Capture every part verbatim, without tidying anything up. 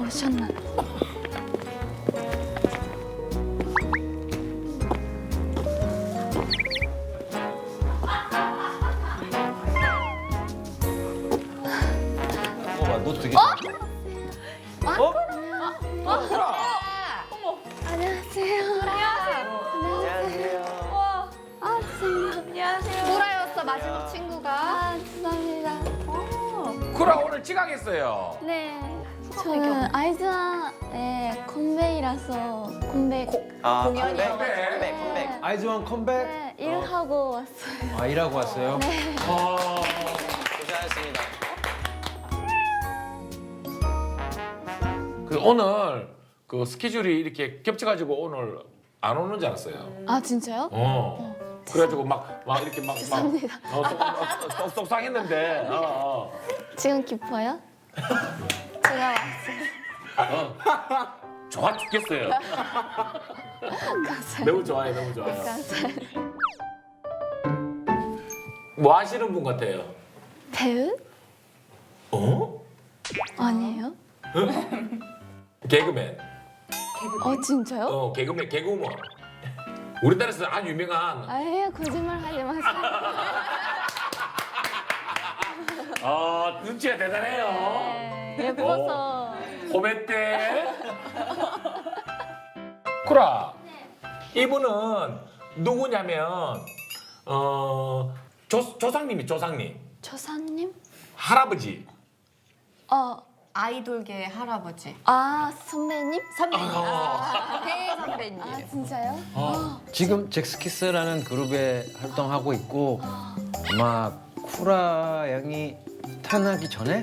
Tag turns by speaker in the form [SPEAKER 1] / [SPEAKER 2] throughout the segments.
[SPEAKER 1] 오셨나?
[SPEAKER 2] 어, 너 되게.
[SPEAKER 1] 어?
[SPEAKER 2] 어?
[SPEAKER 1] 안녕하세요.
[SPEAKER 2] 안녕하세요.
[SPEAKER 1] 아, 선생님.
[SPEAKER 3] 안녕하세요.
[SPEAKER 1] 보라였어, 마지막 친구가. 아, 죄송합니다.
[SPEAKER 4] 쿠라 오늘 지각했어요.
[SPEAKER 1] 네. 저는 아이즈와의 컴백이라서 컴백.
[SPEAKER 2] 아,
[SPEAKER 3] 공연이요?
[SPEAKER 2] 컴백, 컴백, 컴백.
[SPEAKER 5] 아이즈원 컴백?
[SPEAKER 1] 네, 일하고 왔어요.
[SPEAKER 5] 아, 일하고 왔어요?
[SPEAKER 1] 네.
[SPEAKER 4] 어...
[SPEAKER 2] 고생하셨습니다.
[SPEAKER 4] 그 오늘 그 스케줄이 이렇게 겹쳐가지고 오늘 안 오는 줄 알았어요.
[SPEAKER 1] 아, 진짜요?
[SPEAKER 4] 어. 그래가지고 막, 막 이렇게 막, 막
[SPEAKER 1] 죄송합니다.
[SPEAKER 4] 어, 속- 어, 속- 속상했는데. 어, 어.
[SPEAKER 1] 지금 기뻐요? 제가 왔어요.
[SPEAKER 4] 어. 좋아 죽겠어요.
[SPEAKER 1] 감사해요.
[SPEAKER 4] 너무 좋아해, 너무 좋아요.
[SPEAKER 1] 감사해요.
[SPEAKER 4] 뭐 하시는 분 같아요?
[SPEAKER 1] 배우?
[SPEAKER 4] 어?
[SPEAKER 1] 아니에요?
[SPEAKER 4] 개그맨.
[SPEAKER 1] 어, 진짜요?
[SPEAKER 4] 어, 개그맨, 개그우먼. 우리나라에서 아주 유명한.
[SPEAKER 1] 아예 거짓말 하지 마세요.
[SPEAKER 4] 아, 눈치가 대단해요.
[SPEAKER 1] 네, 예뻐서.
[SPEAKER 4] 호메떼. 쿠라. 이분은 누구냐면 어 조, 조상님이 조상님.
[SPEAKER 1] 조사님?
[SPEAKER 4] 할아버지.
[SPEAKER 1] 어,
[SPEAKER 3] 아이돌계 할아버지.
[SPEAKER 1] 아, 선배님?
[SPEAKER 3] 선배님.
[SPEAKER 4] 아.
[SPEAKER 3] 배 선배님.
[SPEAKER 1] 아, 진짜요?
[SPEAKER 4] 어.
[SPEAKER 5] 지금 잭스키스라는 그룹에 활동하고 있고 아마 쿠라 양이 태어나기 전에?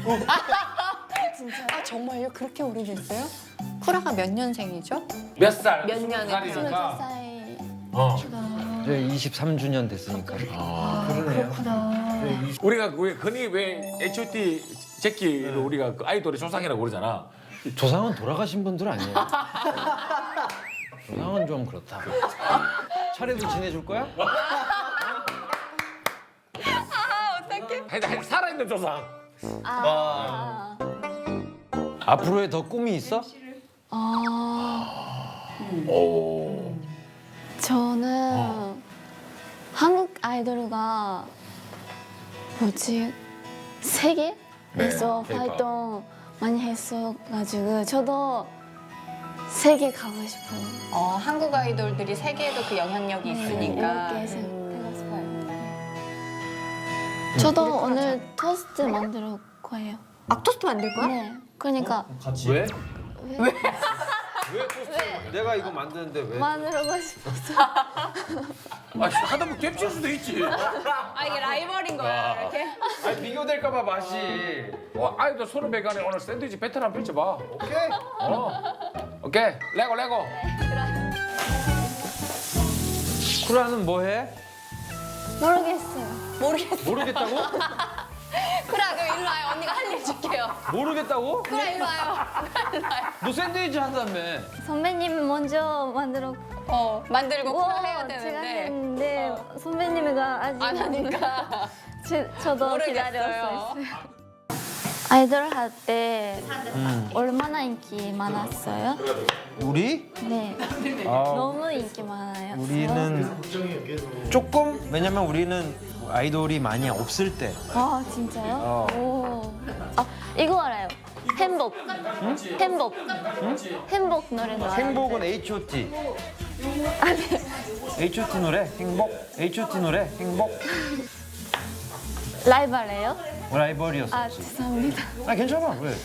[SPEAKER 1] 진짜요?
[SPEAKER 3] 아 정말요? 그렇게 오래됐어요? 쿠라가 몇 년생이죠?
[SPEAKER 4] 몇 살?
[SPEAKER 3] 몇 년에
[SPEAKER 1] 스물두
[SPEAKER 4] 살이니까.
[SPEAKER 1] 살.
[SPEAKER 4] 어.
[SPEAKER 5] 이제 이십삼 주년 됐으니까.
[SPEAKER 4] 아.
[SPEAKER 1] 그렇구나.
[SPEAKER 4] 우리가 왜 흔히 왜 에이치 오 티 제키를 우리가 그 아이돌의 조상이라고 그러잖아.
[SPEAKER 5] 조상은 돌아가신 분들 아니에요. 조상은 좀 그렇다. 차례도 지내줄 거야?
[SPEAKER 4] 하여튼 하여튼 살아있는 조상.
[SPEAKER 1] 아.
[SPEAKER 5] 앞으로의 더 꿈이 있어?
[SPEAKER 1] 아.
[SPEAKER 4] 오.
[SPEAKER 1] 저는 한국 아이돌가 뭐지 세계에서
[SPEAKER 4] 네, 그러니까.
[SPEAKER 1] 활동 많이 했어가지고 저도 세계 가고 싶어요.
[SPEAKER 3] 어 한국 아이돌들이 세계에도 그 영향력이 있으니까.
[SPEAKER 1] 이렇게 해서
[SPEAKER 3] 음.
[SPEAKER 1] 가고 싶어요. 저도 오늘 토스트 만들 거예요.
[SPEAKER 3] 아 토스트 만들 거야?
[SPEAKER 1] 네. 그러니까
[SPEAKER 5] 왜?
[SPEAKER 1] 왜?
[SPEAKER 5] 왜 내가 이거 만드는데 왜?
[SPEAKER 1] 만들고 싶어서.
[SPEAKER 4] 아, 하다 보면 겹칠 수도 있지.
[SPEAKER 3] 아 이게 라이벌인 거야 이렇게?
[SPEAKER 5] 아니 비교될까봐 맛이.
[SPEAKER 4] 어, 아이들 서로 배간에 오늘 샌드위치 배틀 한번 펼쳐봐.
[SPEAKER 5] 오케이.
[SPEAKER 4] 어. 오케이. 레고 레고.
[SPEAKER 5] 쿠라는 뭐 해?
[SPEAKER 1] 모르겠어요.
[SPEAKER 3] 모르겠어.
[SPEAKER 5] 모르겠다고?
[SPEAKER 3] 쿠라 그럼 일로 와요. 언니가 할 일 줄게요.
[SPEAKER 5] 모르겠다고?
[SPEAKER 3] 쿠라 일로 와요. 일로 와요.
[SPEAKER 5] 너 샌드위치 한다며.
[SPEAKER 1] 선배님 먼저 만들어.
[SPEAKER 3] 어 만들고 쿠라 해야
[SPEAKER 1] 어, 제가
[SPEAKER 3] 되는데
[SPEAKER 1] 했는데 선배님이가 아직
[SPEAKER 3] 안 하니까.
[SPEAKER 1] 제, 저도
[SPEAKER 3] 모르겠어요.
[SPEAKER 1] 기다렸어요. 아이돌 할 때 얼마나 인기 많았어요?
[SPEAKER 5] 우리?
[SPEAKER 1] 네,
[SPEAKER 5] 아,
[SPEAKER 1] 너무 인기 많아요.
[SPEAKER 5] 우리는 조금 왜냐면 우리는 아이돌이 많이 없을 때.
[SPEAKER 1] 아 진짜요?
[SPEAKER 5] 어.
[SPEAKER 1] 오. 아 이거 알아요. 행복. 행복. 행복 노래도 알아요.
[SPEAKER 5] 행복은 에이치 오 티. 에이치 오 티 노래 행복. 에이치 오 티 노래 행복.
[SPEAKER 1] 라이벌이에요?
[SPEAKER 5] 라이벌이었어.
[SPEAKER 1] 아 죄송합니다.
[SPEAKER 5] 아 괜찮아 왜?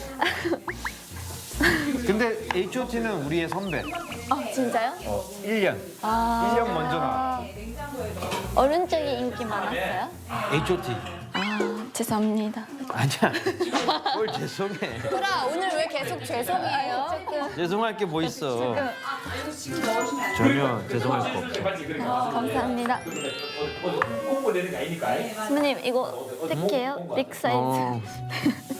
[SPEAKER 5] 근데 에이치 오 티는 우리의 선배.
[SPEAKER 1] 아 진짜요?
[SPEAKER 5] 어, 일 년.
[SPEAKER 1] 아.
[SPEAKER 5] 일 년 먼저 나왔어.
[SPEAKER 1] 어른 쪽이 인기 많았어요?
[SPEAKER 5] 에이치 오 티.
[SPEAKER 1] 아 죄송합니다.
[SPEAKER 5] 아니야. 뭘 죄송해.
[SPEAKER 3] 쿠라 오늘 왜 계속 죄송해요?
[SPEAKER 5] 죄송할 게 뭐 있어. 전혀 죄송할 거 없어.
[SPEAKER 1] 감사합니다.
[SPEAKER 4] 홍보 내는 게 아니니까.
[SPEAKER 1] 선배님 이거 택해요? 빅 사이즈.
[SPEAKER 5] 어,